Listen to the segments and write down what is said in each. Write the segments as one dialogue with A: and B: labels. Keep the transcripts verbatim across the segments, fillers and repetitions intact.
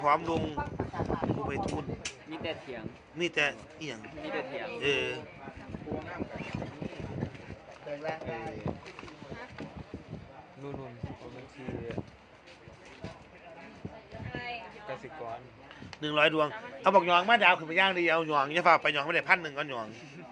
A: พร้อมลุงผู้ไปทุน
B: มีแต่เถียง
A: มีแต่เอียง
B: มีแต่เถียง
A: เออ
B: นู่นนู่นบัญชีกสิกร
A: หนึ่งร้อยดวงเอาบอกหยองมาดาวขึ้นไปย่างดีเอาหยองอย่าฝากไปหยองไม่ได้พันหนึ่งก็หยอง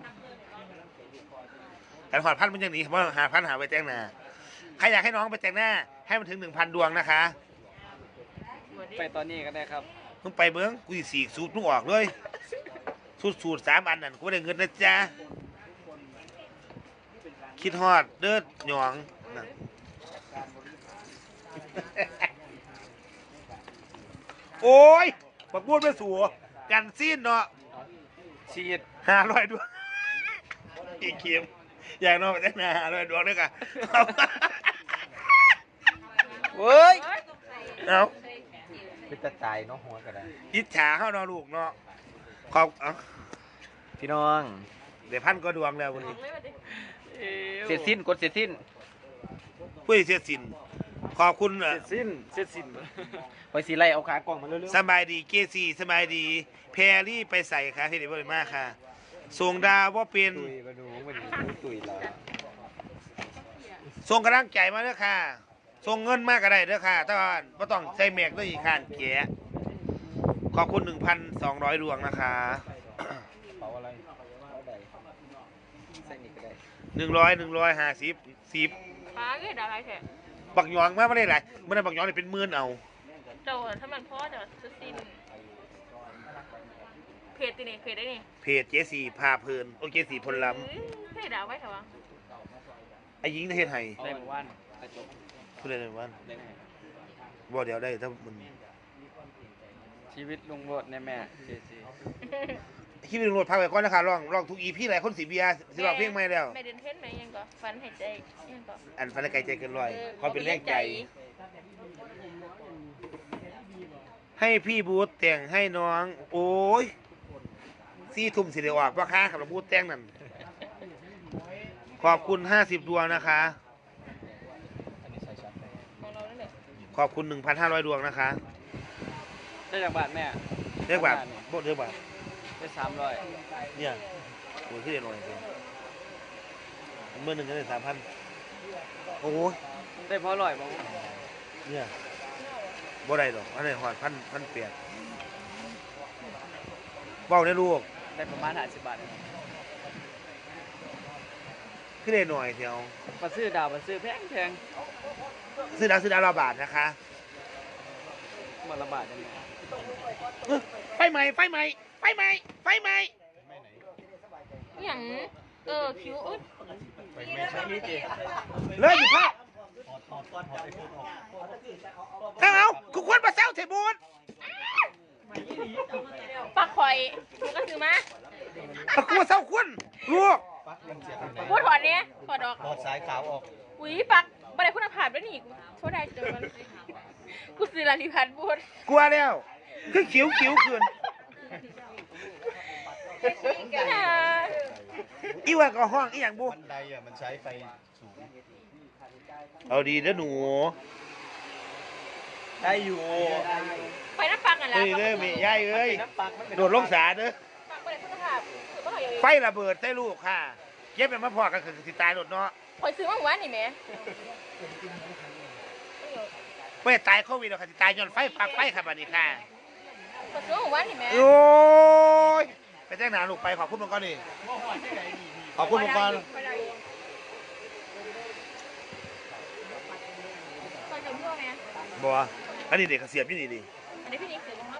A: แต่ขอดพันมันยังหนีเพราะหาพันหาไปแต่งหน้าใครอยากให้น้องไปแต่งหน้าให้มันถึงหนึ่งพันดวงนะคะ
B: ไปตอนนี้ก็ได้ครับ
A: มึงไปเมืองกูสี่สูตรมึงออกเลยสูตรสูตรสามอันนั่นกูได้เงินนะจ๊ะคิดฮอดเด้อหยองโอ้ยปักบูดไม่สัวกันซีนเนาะ
B: ชีด
A: ห้าร้อยดวงอีกเข็มอยากนอนไปแต่งหน้าห้าร้อยดวงด้วยกัน
B: เฮ้ย
A: เอา
B: เป็นตาตายเนาะหัวก็ได้
A: อิจฉาเข้าเนาะลูกเนาะขอบ
B: พี่น้อง
A: เดี๋ยวพันก็ดวงแล้ววันนี้
B: เสร็จสิ้นกดเสร็จสิ้น
A: ปุ้ยเสียสินขอบคุณ
B: เสร็จสิ้นเสร็จสิ้นไปสีไล่เอาขากล่องมาเร็ว
A: ๆสบายดีเกซีสบายดีแพรรี่ไปใส่ค่ะที่เด็ดมากค่ะส่งดาวว่าเป็น
B: ตุยมาดูมันตุยเรา
A: ส่งกำลังใจมาเด้อค่ะส่งเงินมากก็ได้เด้อค่ะแต่ว่าไม่ต้องใส่แม็กด้วยอีกขั้นเก๋ขอบคุณหนึ่งพันสองร้อยดวงนะคะ
B: เป๋าอะไรใส่นี่ก็ได้
A: หนึ่งร้อยหนึ่งร้อยห้าสิบสิบ
C: ป้าเกิดอะไรแท้
A: บักหยองมากไม่ได้หลายเมื่อนั้นบักหยองเนี่ยเป็นหมื่นเอา
C: เจ้าถ้ามันพ่อเดี๋ยวจะสิ้นเพจตีนี่เพจได้นี่
A: เพจเจสี่พาเพลินโอเจสี่พลล้
C: ำเพจดาวไว้เถอะวะ
A: ไอ้ยิงในเทศไทย
B: ได้หมู่บ้าน
A: พูดเลยในวันบ่เดี๋ยวได้ถ้ามัน
B: ชีวิตลุงโบดในแม่เจซี
A: ที่เป็นรถพักไปก่อนนะคะลองลองทุกอีพี่หลายคนสีเบียร์สิบอกเพียงไม่แล้ว
C: ไม่เดินเทนไหมยังก็ฟันหายใจยังก็
A: อันฟันไกลใจเกินร้อยเขาเป็นแรงใจให้พี่บูธแต่งให้น้องโอ้ยซี่ทุ่มสิเดียวออกว่าค่าขับรถบูธแต่งนั่นขอบคุณห้าสิบดวงนะคะขอบคุณหนึ่งพันห้าร้อยดวงนะคะ
B: ได้จากบาทแม่
A: เรียกบาทโบเรียกบาท
B: ได้สามร้อย
A: เนี่ยโอ้ยขึ้นเดียวหน่อยสิเมื่อหนึ่งก็ได้สามพันโอ้ย
B: ได้พอร่อยบ้าง
A: เนี่ยบ่ได้หรอกอันนี้หอดพันพันเปียกเบ้าได้ลูก
B: ได้ประมาณห้าสิบบาท
A: ขึ้นได้หน่อยเดียว
B: มาซื้อดาวมาซื้อแพงแพง
A: ซื้อดาวซื้อดาวละบาทนะคะ
B: มาละบาทยังไง
A: ไฟไหมไฟไหมไฟไหมไฟไหม
C: อย่างเออคิ้วอึด
A: เลยอยู่พ่อเอาเอาคุณควรมาเซลเทบูน
C: ปักคอยกูก็ซื้อมา
A: ปักกูเซลคุณลูก
C: พูดถอดเนี้ยถอดออก
B: ถอดสายขาวออก
C: อุ้ยปักบันไดคุณภาพด้วยนี่กูโทษได้เจอมันกูซื้อลาลิพันพูด
A: กลัวแล้วคือขิวขิวขึ้นอีว่าก็ห้องอีอย่างบุ
B: บันไดอ่ะมันใช้ไฟสูง
A: เอาดีนะหนู
B: ได้อยู่
C: ไฟน้ำปังอะไร
A: เฮ้ยเลยมีย่ายเอ้ยโดดลงสาเด้อไฟระเบิดใส่ลูกค่ะเย็บเป็นมะพร้าวกันคือสิตายโดดเนาะ
C: คอยซื้อมาหวานนี่แม่
A: ไม่ตายโควิดหรอกค่ะสิตายย้อนไฟปักไฟค่ะบัดนี้ค่ะ
C: คอยซื้อมาหวานนี่แม่
A: โอ้ยไปแจ้งหนาลูกไปขอบคุณมังกรนี่ขอบคุณมังกรบัวอันนี้เด็กเสียบยี่นี่ดิ
C: อันนี้พี่นิกซื้อมา